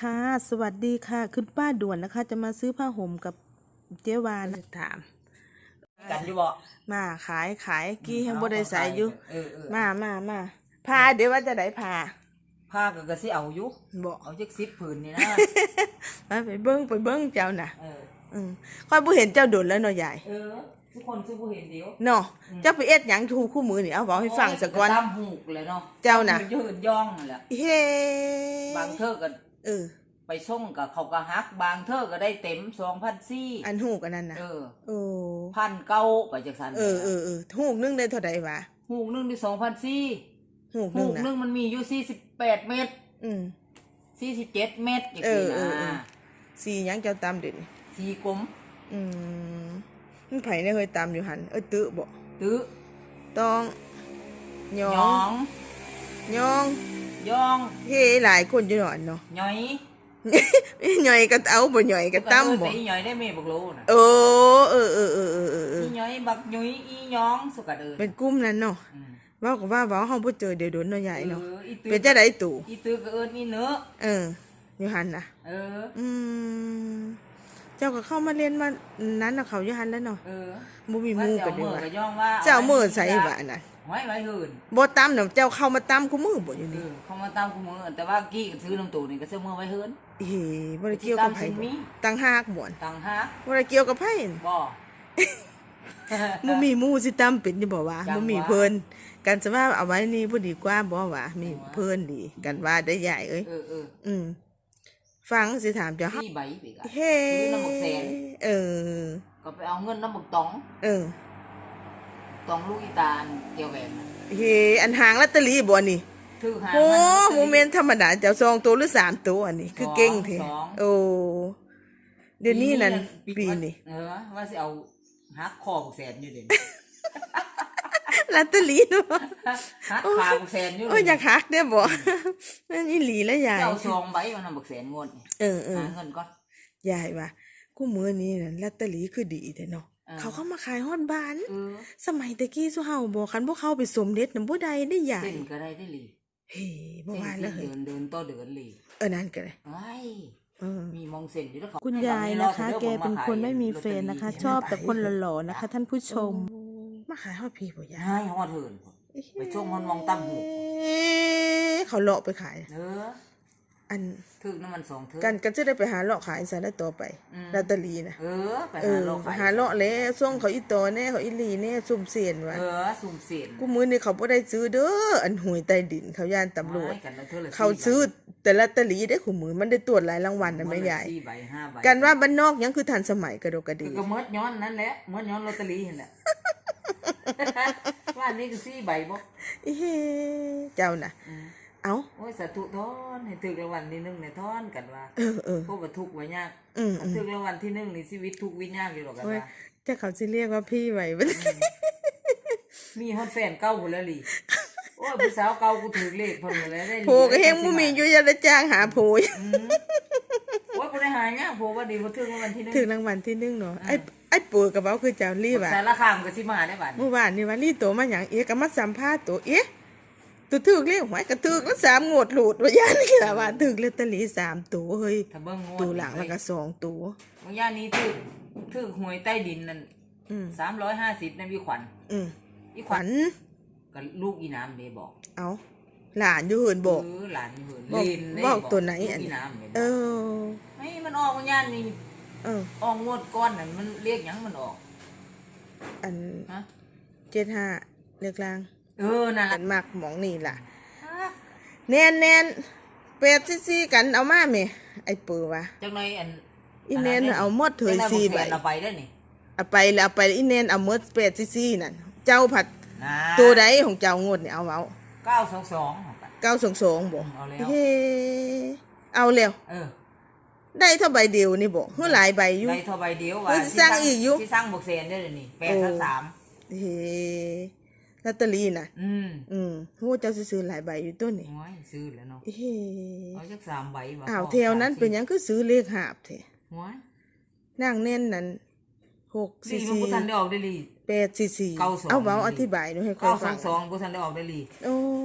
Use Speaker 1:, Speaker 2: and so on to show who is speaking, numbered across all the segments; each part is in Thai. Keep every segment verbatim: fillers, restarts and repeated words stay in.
Speaker 1: ค่ะสวัสดีค่ะคุณป้าด่วนนะคะจะมาซื้อผ้าห่มกับเจ๊วานถาม
Speaker 2: กันอยู่บ่
Speaker 1: มาขายขายกี้ยังบ่ได้ใส่อยู่
Speaker 2: เออเออ
Speaker 1: มามามาพาเดี๋ยวว่าจะได้พา
Speaker 2: ผ้าก็ก็สิเอาอยู่
Speaker 1: บ่
Speaker 2: เอาจักสิบผืนนี่นะ
Speaker 1: มาไปเบิ้งไปเบิ้งเจ้าน่ะ
Speaker 2: เออ
Speaker 1: อืมค่อยบ่เห็นเจ้าโดนแล้วเนาะยาย
Speaker 2: เออทุกคนซื้อบ่เห็นเดียว
Speaker 1: เนาะเจ้าไปเอ็ดหยังทูคู่มือนี่เอาเว้าให้ฟังสักก่อน
Speaker 2: ตามหูกเลยเนาะ
Speaker 1: เจ้าน่ะ
Speaker 2: ยืนย่องนั่นแหละ
Speaker 1: เฮ้
Speaker 2: บางเทื่อก็
Speaker 1: เออ
Speaker 2: ไปส่งกับเขาก็ฮักบางเทื่อก็ได้เต็ม สองพันสี่ร้อย
Speaker 1: อันฮูกอันนั้นน่ะ
Speaker 2: เออ
Speaker 1: โอ้
Speaker 2: พันเก้าไปจักซั่น
Speaker 1: เออเออเออฮูกนึงได้เท่าใดวะ
Speaker 2: หูกนึงได้สองพันสี่ร้อย
Speaker 1: ฮูกนึ
Speaker 2: หู
Speaker 1: ง
Speaker 2: ก
Speaker 1: น่ะ
Speaker 2: นึงมันมีอยู่สี่สิบแปดเมตร
Speaker 1: อืม
Speaker 2: สี่สิบเจ็ดเมตรจัง
Speaker 1: เอ
Speaker 2: ซี่
Speaker 1: อเออเออ
Speaker 2: นะ
Speaker 1: สีหยังเจ้าตามเด่น
Speaker 2: สีกลม
Speaker 1: อืมมันไผเนี่ยเคยตามอยู่หันเอ้ยตื้อบ่
Speaker 2: ตื้อ
Speaker 1: ต้องยอ
Speaker 2: หยอง ง
Speaker 1: ยอง
Speaker 2: ย่อง
Speaker 1: เฮ้หลายคนอยู่หนอนเนาะ
Speaker 2: หย่อย
Speaker 1: หน่อยก็เอาบ่หน่อยก็ตำบ่
Speaker 2: อีหย่อยได้แม่บักโลน่ะ
Speaker 1: เออเออเออเออเออเออเออ
Speaker 2: อีหย่อยบักหยุยอีหยองสุกะเด้อ
Speaker 1: เป็นกลุ่มนั้นเนาะเว้าก็ว่าเว้าเฮาบ่เจอเดี๋ยวโดนเนาะใหญ่เนาะ
Speaker 2: อออีตื้อ
Speaker 1: เป็นจังได๋ตู่
Speaker 2: อีตื้อก็เอิ้นอีเนื้อ
Speaker 1: เอออยู่หันน่ะ
Speaker 2: เออ
Speaker 1: อืมเจ้าก็เข้ามาเรียนมานั้นน่ะเขาอยู่หันแล้วเนาะ
Speaker 2: เออ
Speaker 1: บ่มีหมู่กันเด้อ
Speaker 2: ว่า
Speaker 1: ว่า
Speaker 2: ก็ย่องว่า
Speaker 1: เจ้ามื้อใส่ว่านั่น
Speaker 2: หอยไว้หื่น
Speaker 1: บ่ตำน่ะเจ้าเข้ามาตำกูมือบ่อยู่
Speaker 2: เอ
Speaker 1: นี่
Speaker 2: อเขามาตามกูมื้อแต่ว่ากี้ก็ซื้อน้ำตูนี่ก็ซื้อมื้อไว้หื่น
Speaker 1: เฮ้บ่ได้เกี่ยวกับไผบ่ตั้งหากบ่น
Speaker 2: ตังหา
Speaker 1: บ่ได้เกี่ยวกับไผ
Speaker 2: บ่
Speaker 1: บ่มีหมู่สิตำเป็นอยู่บ่วะ
Speaker 2: จัง
Speaker 1: บ่มี
Speaker 2: วะ
Speaker 1: เพิ่นกันซะว่าเอาไว้นี่บ่ดีกว่าบ่วะมีเพิ่นดีกันว่าได้ใหญ่เอ้ย
Speaker 2: เออเออ
Speaker 1: อืมฟังสิถามเจ้า
Speaker 2: สี่ใบไปกะ
Speaker 1: เฮ้
Speaker 2: ซื้อน้ำบักแสน
Speaker 1: เออ
Speaker 2: ก็ไปเอาเงินน้ำบักตอง
Speaker 1: เออ
Speaker 2: ตองลูกอีตาลเกี่ยวแหวนน่ะ
Speaker 1: เฮ้อันหางลอตเตอรี่บ่นี่
Speaker 2: ถือหา
Speaker 1: โอ้
Speaker 2: มัน
Speaker 1: โมเมนต์ธรรมดาเจ้าสองตัวหรือสามตัวอันนี้คือเก่งแท้
Speaker 2: สอง
Speaker 1: โอ้เดี๋ยวนี้นั่นปีนี่
Speaker 2: เออว่าสิเอาหักคอบักแสนอยู่เด่น
Speaker 1: ลอตเตอรี่เนาะ
Speaker 2: หักขาบักแสนอยู่
Speaker 1: โอ้ยอยากหักเด้อบ่นั่นอีหลีแล้วยาย
Speaker 2: เจ้าซองใบมันนำบักแสนงวดนี่
Speaker 1: เออเออ
Speaker 2: หาเงินก่อน
Speaker 1: ยายว่ากูมื้อนี้นั่นลอตเตอรี่คือดีแท้เนาะ
Speaker 2: เออ
Speaker 1: เขาเข้ามาขายฮอดบ้าน
Speaker 2: เออ
Speaker 1: สมัยตะกี้สุเฮาบอกคันพวกเขาไปสมเด็จนำบ่ได้ได้ยาย
Speaker 2: เส้นก็ได้ได้หลี
Speaker 1: เฮ้บ่
Speaker 2: เส้น
Speaker 1: ว่า
Speaker 2: สิ
Speaker 1: แล้วเฮ้
Speaker 2: เดิ
Speaker 1: ย
Speaker 2: นเดินต่อเดินหลี
Speaker 1: เออนั่นก็ได้
Speaker 2: ไอ้
Speaker 1: เออ
Speaker 2: มีมองเส้นอยู่แล้วเขา
Speaker 1: คุณยายนะคะ แกเป็นคนไม่มีแฟนนะคะ ชอบแต่คนหล่อๆนะคะ ท่านผู้ชม มาขายฮอดพี่บ่ยาย
Speaker 2: ให้ฮอดเหินไปช่วงมันมองตั้มหู
Speaker 1: เอ๊ะเขาเลาะไปขาย
Speaker 2: เออ
Speaker 1: อัน
Speaker 2: ถึกน้ำมันสองเถิ
Speaker 1: กันก็จะได้ไปหาเลาะขายซะแล้วต่อไป
Speaker 2: อืม
Speaker 1: ลอตเตอรี่นะ
Speaker 2: เออไป
Speaker 1: เอ
Speaker 2: หา
Speaker 1: อ
Speaker 2: โลก
Speaker 1: ไปหาเลาะแล้วส่งเขาอีตอแน่เขาอีหลีแน่ซุ่มเสียนว่ะ
Speaker 2: เออสุ่มเสียน
Speaker 1: กูมื้อนี้เขาบ่ได้ซื้อเด้ออันหวยใต้ดินเขาย่านตำรวจ
Speaker 2: ไม่กันแล้วเธอละ
Speaker 1: เขาซื้อแต่ลอตเตอรี่ได้คู่มือมันได้ตรวจหลายรางวัลนะแม่ยาย
Speaker 2: สี่ใบห้าใบ
Speaker 1: กันว่าบ้านนอกยังคือทันสมัยกระโดกกระดี
Speaker 2: ก็เมิดย้อนนั่นแหละเมิดย้อนลอตเตอรี่เห็นแหละ ว่านี่คือสี่ใบบ่
Speaker 1: เฮ้เจ้าน่ะ
Speaker 2: อืม
Speaker 1: เอ้า
Speaker 2: โอ้ยสาธุทอนให้ถึกรางวัลที่หนึ่งเนี่ยทอนกันว่า
Speaker 1: เออเออ
Speaker 2: พวกว่าทุกข์ว่ายาก
Speaker 1: อืม
Speaker 2: ถ้าถึกรางวัลที่หนึ่งนี่ชีวิตทุกข์วิญญาณอยู่หรอกกัน
Speaker 1: โอ้ย
Speaker 2: ว่า
Speaker 1: จะเขาสิเรียกว่าพี่ไว้บ่
Speaker 2: มีฮอดแฟนเก่าหมดแล้วลิโอ้ยผู้สาวเก่ากูถือเลขเพิ่นหมดแล้วได้
Speaker 1: โผก็เฮงบ่มีอยู่อย่าได้จ้างหาโผย
Speaker 2: อืมโอ้ยบ่ได้หายากโพว่าดีบ่ถึกรางวัลที่หนึ่ง
Speaker 1: ถึงรางวัลที่หนึ่งเนาะไอ้ไอ้ปู่กับเว้าคือเจ้าลี่ว่ะ
Speaker 2: สารคามก็สิมาได้บัด
Speaker 1: เมื่อวานนี่ว่าลี่โตมาหยังเอ๊ะก็มาสัมภาษณ์ตัวเอ๊ะตัวถึกเลขหวยก็ถึกแล้วสามงวดหลุดว่าย่านนี่ล่ะว่าถึกลอตเตอรี่สามตัวเฮ้ย
Speaker 2: ถ้าเบิ่งงวด
Speaker 1: ตัวหลังแล้วก็สองตัว
Speaker 2: บางย่านนี้ถึกถึกหวยใต้ดินนั่น
Speaker 1: อืม
Speaker 2: สามร้อยห้าสิบนั่นพี่ขวัญ
Speaker 1: อืม
Speaker 2: อีข
Speaker 1: ข
Speaker 2: วั
Speaker 1: วั
Speaker 2: ญ
Speaker 1: ญ
Speaker 2: ก็ลูกอีน้ำเด้บอก
Speaker 1: เอาหลานอยู่เหินบอก
Speaker 2: เออหลานอยู่เหิน
Speaker 1: บอก
Speaker 2: เล่นได้
Speaker 1: บอกตัวไหน
Speaker 2: ลูก
Speaker 1: อัน
Speaker 2: อีน้ำเด้
Speaker 1: เอ
Speaker 2: บอก
Speaker 1: อ
Speaker 2: ไม่มันออกบางย่านนี่
Speaker 1: เออ
Speaker 2: ออกงวดก้อนนั่นมันเรียกหยังมันออก
Speaker 1: อัน
Speaker 2: ฮะ
Speaker 1: เจ็ดห้าเลือกลาง
Speaker 2: เออนั่น
Speaker 1: กั
Speaker 2: ล่ะ
Speaker 1: นมากหมองนี่ล่ะแน่นแน่นแปดซี่ซี่กันเอามาแม่ไอ้ปือวะ
Speaker 2: จังไดอัน
Speaker 1: อีแนนเอาหมดเถยสี่ใบ
Speaker 2: เอาไปได้นี่
Speaker 1: เอาไปแล้วเอาไปอีแนนเอาหมดแปดซี่ซี่นั่นเจ้าผัด
Speaker 2: นะ
Speaker 1: ตัวใดของเจ้างดนี่เอาเอา
Speaker 2: เก้าสองสองเอาไป
Speaker 1: เก้าสองสองบ่
Speaker 2: เอาแล้ว
Speaker 1: เฮ้เอาแล้ว
Speaker 2: เออ
Speaker 1: ได้เท่าใบเดียวนี่บ่เฮือหลายใบอยู่
Speaker 2: ได้เท่าใบเดียว
Speaker 1: เฮ้ยสร้างอีกอยู่
Speaker 2: ที่สร้างบวกเซนได้เลยนี่แปดสามสาม
Speaker 1: เฮ้ลอตเตอรี่น่ะ
Speaker 2: อืม
Speaker 1: อืมโหเจ้าซื้อหลายใบอยู่ตัวนี่
Speaker 2: โอ้ยซื้อแล้วเนาะ
Speaker 1: เฮ้
Speaker 2: เอาจักสามใบว่ะ
Speaker 1: อ้าวแถวนั้นเป็นหยังคือซื้อเลขหาบแท้
Speaker 2: โอ้ย
Speaker 1: นางแน่นนั้นหก
Speaker 2: ลี
Speaker 1: สี่
Speaker 2: มัน
Speaker 1: สี่
Speaker 2: บ่ทันได้ออกได้ลี
Speaker 1: แปดสี่สี่
Speaker 2: เก้าสอง
Speaker 1: เอาเว้าอธิบายหนูให้ค่อ
Speaker 2: เก้าย ส
Speaker 1: ฟั
Speaker 2: อง งสองบ่ทันได้ออกได้ลี
Speaker 1: โอ้
Speaker 2: ตุ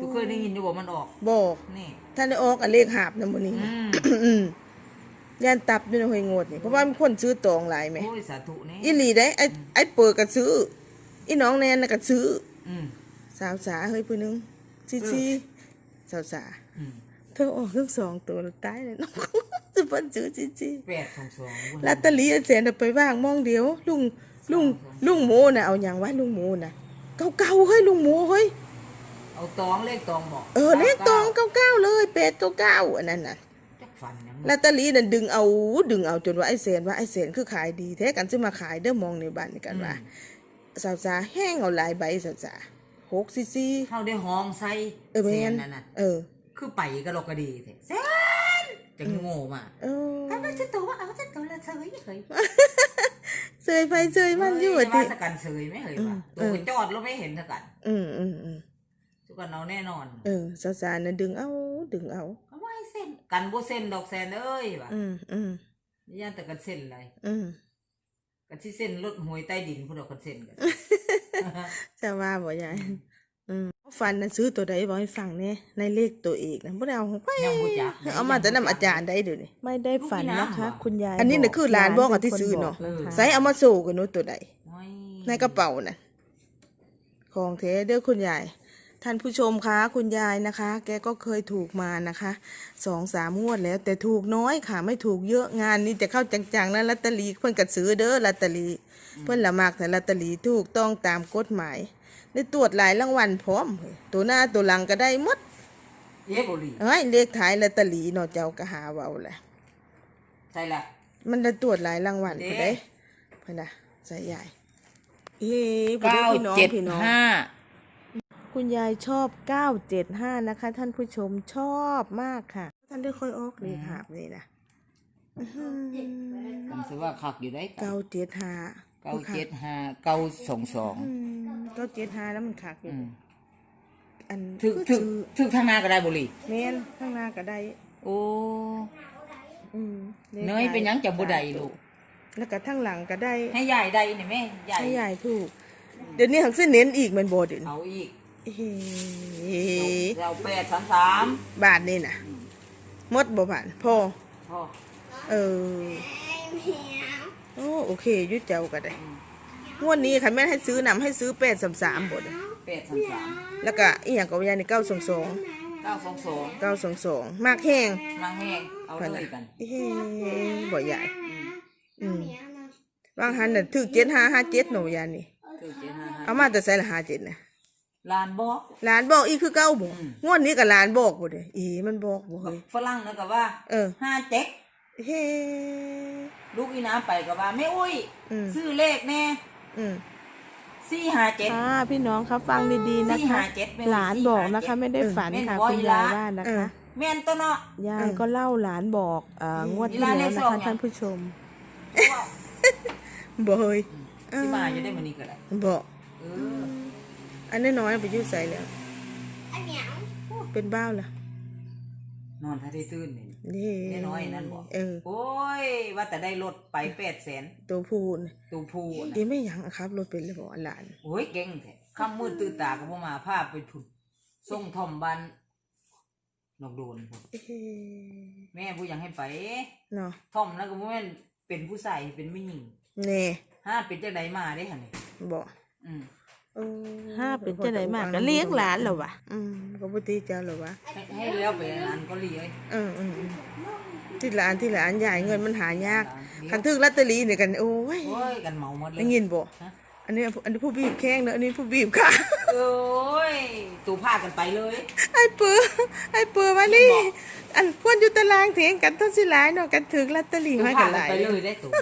Speaker 2: เคยได้ยินอยู่บ่มันออก
Speaker 1: บอก
Speaker 2: นี่
Speaker 1: ท่านได้ออกอันเลขหาบนำมื้อนี้
Speaker 2: อืม
Speaker 1: อืมย่านตับด้วยนะห้วยโงดนี่เพราะว่ามีคนซื้อตองหลายแหม
Speaker 2: โอ้ยสาธุนี่
Speaker 1: อีหลีได้ไอ้ไอ้เปิดก็ซื้ออีน้องแนนน่ะก็ซื้อ
Speaker 2: อืม
Speaker 1: สาวสาเฮ้ยผู้หนึงซีซีสาวสา
Speaker 2: อืม
Speaker 1: เธอออกทั้งสองตัวแล้วตายเลยน้อง จะเพิ่นซื้อซีซี
Speaker 2: แปดสองสอง
Speaker 1: ลอตเตอรี่อันแสนเอาไปว่างมองเดียว ลุงลุงลุงหมูน่ะเอาหยังวะลุงหมูน่ะเก่าๆเฮ้ยลุงหมูเฮ้ย
Speaker 2: เอาตองเลขตองบอก
Speaker 1: เออเลขตองเก่าๆเลยแปดเก้าเก้าอันนั้นน่ะ
Speaker 2: จักฟันยัง
Speaker 1: ลอตเตอรี่นั่นดึงเอาดึงเอาจนว่าไอ้แสนว่าไอ้แสนคือขายดีแท้กันสิมาขายเด้อมองในบ้านนี่กันว่าสาวสาแห้งเอาหลายใบสาวสาหกซีซี
Speaker 2: เฮาได้ห้องใส่
Speaker 1: เออแม่น
Speaker 2: นั่นน่ะ
Speaker 1: เออ
Speaker 2: คือไปก็ลกก็ดีแท้แซนจังโง่มา
Speaker 1: เออ
Speaker 2: ก็ไม่จะตัวว่าเอาจะตัวละเฉยเฮ้ย
Speaker 1: เซยไปเซยมันอยู่
Speaker 2: ว่า
Speaker 1: ติ
Speaker 2: สกันเฉยไม่เฮ้ยว่า
Speaker 1: เอ
Speaker 2: ตัว
Speaker 1: อ
Speaker 2: ไปจอดแล้วไม่เห็นสกัน
Speaker 1: อืมอืมอืม
Speaker 2: ทุกคนเอาแน่นอน
Speaker 1: เออสาวสาน่ะดึงเอาดึงเอา
Speaker 2: ก็ว่าให้เส้นกันบ่เส้นดอกแซนเอ้ยว่ะ
Speaker 1: อืมอืม
Speaker 2: ย่านแต่กันเส้นอะไร
Speaker 1: อืม
Speaker 2: กันที่เส้นรถหวยใต้ดินพุ่นดอกกันเส้นกัน
Speaker 1: จะว่าบ่ยายอืมฟันน่ะซื้อตัวใดบอกให้ฟังแน่ในเลขตัวเอกนะบ่ได้เอาไป
Speaker 2: ยังบ่จัก
Speaker 1: เอามาแต่นำอาจารย์ได้เดี๋ยวนี้
Speaker 3: ไม่ได้ฝันนะคะ คุณยาย
Speaker 1: อันนี้น่ะคือหลานบอกอะที่ซื้อเนาะ
Speaker 3: ป็คบก
Speaker 1: ใส่เอามาสู่กันเนาะตัวใด
Speaker 2: โอ้ย
Speaker 1: ในกระเป๋าน่ะของเทเด้อคุณยายท่านผู้ชมคะคุณยายนะคะ แกก็เคยถูกมานะคะสองสามงวดแล้ว แต่ถูกน้อยค่ะ ไม่ถูกเยอะงานนี้จะเข้าจังๆแล้วลอตเตอรี่เพิ่นก็ซื้อเด้อลอตเตอรี่เพิ่นละมากแต่ลอตเตอรี่ถูกต้องตามกฎหมายได้ตรวจหลายรางวัลพร้อมเฮ้ยตัวหน้าตัวหลังก็ได้หมด
Speaker 2: เย้บ่ลี
Speaker 1: เอ้ยเลขท้ายลอตเตอรี่เนาะเจ้าก็หาเว้าแหละ
Speaker 2: ใช่ละ
Speaker 1: มันได้ตรวจหลายรางวัล
Speaker 2: เด้
Speaker 1: พุ่นเด้เพิ่นน่ะใส่ใหญ่เอ้พุ่น
Speaker 2: เก้า
Speaker 1: เด้อพี่น้อง
Speaker 2: เจ็ด
Speaker 1: พี่น้อง
Speaker 2: ห้า
Speaker 3: คุณยายชอบเก้าเจ็ดห้านะคะ ท่านผู้ชมชอบมากค่ะ
Speaker 1: ท่านได้ค่อยออกเลขหาบนี่นะ
Speaker 2: ผมถือว่าคักอยู่ได้
Speaker 1: เก้าเจ็ดห้า
Speaker 2: เก้าเจ็ดห้าเก้าสองสอง
Speaker 1: เก้าเจ็ดห้าแล้วมันขาดอยู่อัน
Speaker 2: ถึก
Speaker 1: คือ
Speaker 2: ถึก
Speaker 1: ซื้อ
Speaker 2: ถึกทางหน้าก็ได้บ่ลี
Speaker 1: แมนข้างหน้าก็ได้
Speaker 2: โอ้
Speaker 1: อืมลข
Speaker 2: เนยเป็นหยังจะบ่ได้ลูก
Speaker 1: แล้วก็ทั้งหลังก็ได้
Speaker 2: ให้ยายได้นี่แม่ยาย
Speaker 1: ให้ยายถูก เดี๋ยวนี้หักเส้นเน้นอีกแมันโบเด่น
Speaker 2: เอาอีก
Speaker 1: เฮ้
Speaker 2: เราแปดสามสาม
Speaker 1: บาทนี่นะหมดบ่ผ่านพ่อ
Speaker 2: พ่อ
Speaker 1: เออโอ้โอเคอยุดเจ้าก็ได้งวดนี้ค่ะแม่ให้ซื้อนำให้ซื้อแปดสามสามบท
Speaker 2: แปดสามสาม
Speaker 1: แล้วก็อีหยังกับยายในเก้าสองสอง
Speaker 2: เก้าสองสอง
Speaker 1: เก้าสองสองมากแห้ง
Speaker 2: นางแห้งเอาเลยกัน
Speaker 1: เฮ้บ่ใหญ่อืมบางหันน่ะถือเจ็ดห้าห้าเจ็ดหนูยานี่
Speaker 2: คือเจ็ดห้าห้า
Speaker 1: เอามาแต่ใส่ละห้าเจ็ดนะ
Speaker 2: ลานบอก
Speaker 1: หลานบอกอีคือเก้าบ่
Speaker 2: อืม
Speaker 1: งวดนี้กับหลานบอกบ่เด้อีมันบอกบ่เฮ้ย
Speaker 2: ฝรั่งนะก็ว่า
Speaker 1: เออ
Speaker 2: ห้าเจ็ด
Speaker 1: เฮ้
Speaker 2: ลูกอีน้ำไปก็ว่าแม่อุ้ย
Speaker 1: อืม
Speaker 2: ซื้อเลขแน่
Speaker 1: อืม
Speaker 2: สี่ห้าเจ็ด
Speaker 3: ค่ะพี่น้องคะฟังดีๆนะ
Speaker 2: สี่
Speaker 3: คะ
Speaker 2: ห้าเจ็ดแม่
Speaker 3: หลานบอกนะคะ
Speaker 2: สี่ห้าเจ็ด
Speaker 3: ไม่ได้ฝันค่ะ
Speaker 2: เออ
Speaker 3: คุณยายว่านะ
Speaker 1: เออ
Speaker 3: คะ
Speaker 2: แม่นตัวเนาะ
Speaker 3: ยายก็เล่าหลานบอกเอ่องวดที่
Speaker 2: หลานเล
Speaker 3: แล้ว
Speaker 2: ข
Speaker 3: นะ
Speaker 2: สอง
Speaker 3: คะ
Speaker 2: ยัง
Speaker 3: ท่านผู้ชม
Speaker 1: บ่เฮ้ย
Speaker 2: ที่มาอยู่ได้มื้อนี้ก็ได้
Speaker 1: บอก
Speaker 2: เออ
Speaker 1: อันน้อยๆไปอยู่ใส่แล้วเป็นบ้าวล่ะ
Speaker 2: นอนถ้าได้ตื่นนี่
Speaker 1: นี่
Speaker 2: แน่น้อยนั่นบอก
Speaker 1: เออ
Speaker 2: โอ้ยว่าแต่ได้รถไปแปดแสน
Speaker 1: ตัวพูน
Speaker 2: ตูพูนะ
Speaker 1: อีไม่หยังอะครับรถเป็นเลยบอกหลาน
Speaker 2: โอ้ยเก่งแท้ค่ำมืดตื่นตาก็บ่มาพาไปพุ่นส่งทอมบ้านนอกโดนพุ่น
Speaker 1: เอ้
Speaker 2: แม่ผู้ยังให้ไป
Speaker 1: เนาะ
Speaker 2: ทอมแล้วก็บ่แม่นเป็นผู้ใส่เป็นผู้หญิง
Speaker 1: แน่
Speaker 2: ห้าเป็นจังไดมาได้หั่นนี่
Speaker 1: บอก
Speaker 2: อืม
Speaker 1: เออ
Speaker 3: ห้าเป็นจะไหนมากก็เลี้ยงหลานเหรอวะ
Speaker 1: อืมก็บ่ตีเจ้าหรอวะ
Speaker 2: ให้ให้แล้วไปอันก็ลีเอ้ย
Speaker 1: เอออืมอืมที่หลานที่หลานใหญ่เงินมันหายาก
Speaker 2: เดี๋ยว
Speaker 1: คันถึกลอตเตอรี่เนี่ยกันโอ้ย
Speaker 2: โอ้ยกันเมาหมดเลย
Speaker 1: ได้ยินบ่
Speaker 2: ฮะ
Speaker 1: อันนี้อันนี้ผู้บีบแข้งเนอะอันนี้ผู้บีบขา
Speaker 2: โอ้ยตูพากันไปเลย
Speaker 1: ไอ้เปือไอ้เปือมานี่อันควรอยู่ตารางเถียงกันเท่าสิหลายเนาะกันถึกลอตเตอรี่
Speaker 2: ตู
Speaker 1: มา
Speaker 2: พา
Speaker 1: กันห
Speaker 2: กัน
Speaker 1: ลาย
Speaker 2: ไปเลยได้ตู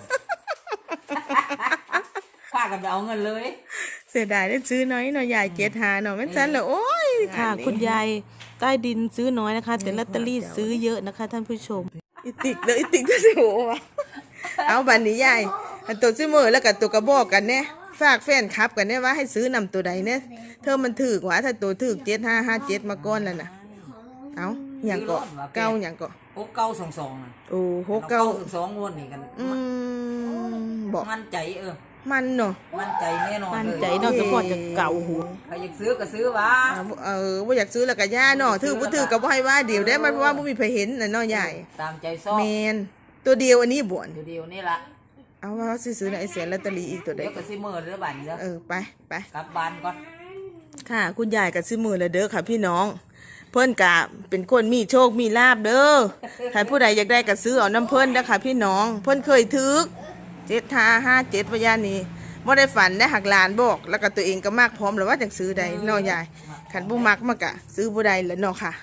Speaker 2: พากันไปเอาเงินเลย
Speaker 1: เสียดายได้ซื้อน้อยเนาะยายเจ็ดหาเนาะแม่นซั่นเหรอโอ้ย
Speaker 3: ค่ะ
Speaker 1: งานนี้
Speaker 3: คุณยายใต้ดินซื้อน้อยนะคะ แต่ลอตเตอรี่ซื้อเยอะนะคะ ท่านผู้ชม
Speaker 1: อีติกเลยอีติกจะสิโหวะเอาบัดนี้ยายอันตัวซื้อมือแล้วก็ตัวกระบอกกันแน่ฝากแฟนคลับกันแน่ว่าให้ซื้อนำตัวใดเนี่ยเธอมันถูกว่าถ้าตัวถูกเจ็ดห้าห้าเจ็ดมาก่อนแล้วน่ะเอาหยังเกาะเก้าหยังเกาะ
Speaker 2: โอ้เก้าสองสองน่ะ
Speaker 1: โอ้โหเก้า
Speaker 2: สองสองงวดนี่กัน
Speaker 1: อืมบอก
Speaker 2: มั่นใจเออ
Speaker 1: มันเนาะ
Speaker 2: มั่นใจแน่นอน
Speaker 3: มั่น
Speaker 2: เลย
Speaker 3: ใจเนาะสปอร์ตจะเก่าหู
Speaker 2: ใครอยากซื้อก็ซื้อวะ
Speaker 1: อ่าเออว่าอยากซื้อแล้วก็ย่าเนาะถือบ่ถือก็บ่ให้ว่าเดี๋ยวได้มันเพราะว่าบ่มีใครเห็นน่ะเนาะยาย
Speaker 2: ตามใจชอบ
Speaker 1: แมนตัวเดียวอันนี้บ่น
Speaker 2: เดี๋ยวนี่ละ
Speaker 1: เอาว่าซื้อๆในไอ้แสนลอตเตอรี่อีกตัวใด
Speaker 2: เดี๋ยวก็สิมือเด้อบัดนี้เด้อ
Speaker 1: เออไปไป
Speaker 2: กลับบ้านก่อน
Speaker 1: ค่ะ คุณยายก็ซื้อมือแล้วเด้อค่ะพี่น้อง เพิ่นกะเป็นคนมีโชคมีลาบเด้อใครผู้ใดอยากได้ก็ซื้อเอาน้ำเพิ่นเด้อค่ะพี่น้อง เพิ่นเคยถึกเจ็ดห้าห้าเจ็ดพยานนี้บ่ได้ฝันได้หักหลานบอก แล้วก็ตัวเองก็มากพร้อมแล้วว่าจังซื้อใดเนาะยายคันบ่มักมากะ ซื้อบ่ได้แล้วเนาะค่ะ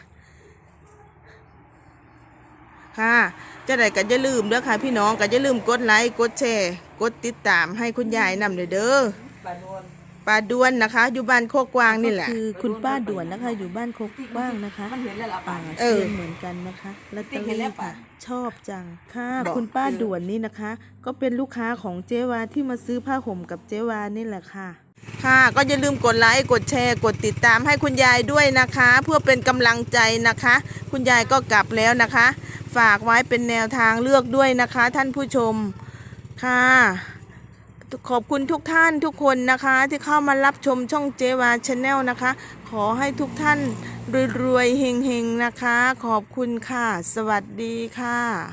Speaker 1: ค่ะจะได้ก็อย่าลืมเด้อค่ะพี่น้องก็อย่าลืมกดไลค์กดแชร์กดติดตามให้คุณยายนำเด้อเด้อ
Speaker 2: บ้านโน้น
Speaker 1: ป้าด้วนนะคะ อยู่บ้านโคกกวางนี่แหละ
Speaker 3: คือคุณป้าด่วนนะคะ อยู่บ้านโคกกว้างนะคะ
Speaker 2: มันเห็นแล้วล่ะ
Speaker 3: อ่า
Speaker 2: ป่า
Speaker 1: เออ
Speaker 3: เซียนเหมือนกันนะคะลอตเตอรี่ค่ะ ชอบจังค่ะ
Speaker 1: บอก
Speaker 3: คุณป้าด่วนนี่นะคะ ก็เป็นลูกค้าของเจวาที่มาซื้อผ้าห่มกับเจวานี่แหละค่ะ
Speaker 1: ค่ะก็อย่าลืมกดไลค์กดแชร์กดติดตามให้คุณยายด้วยนะคะ เพื่อเป็นกำลังใจนะคะ คุณยายก็กลับแล้วนะคะ ฝากไว้เป็นแนวทางเลือกด้วยนะคะ ท่านผู้ชมค่ะ ขอบคุณทุกท่านทุกคนนะคะ ที่เข้ามารับชมช่องเจวาชาแนลนะคะ ขอให้ทุกท่านรวยๆเฮงๆนะคะ ขอบคุณค่ะ สวัสดีค่ะ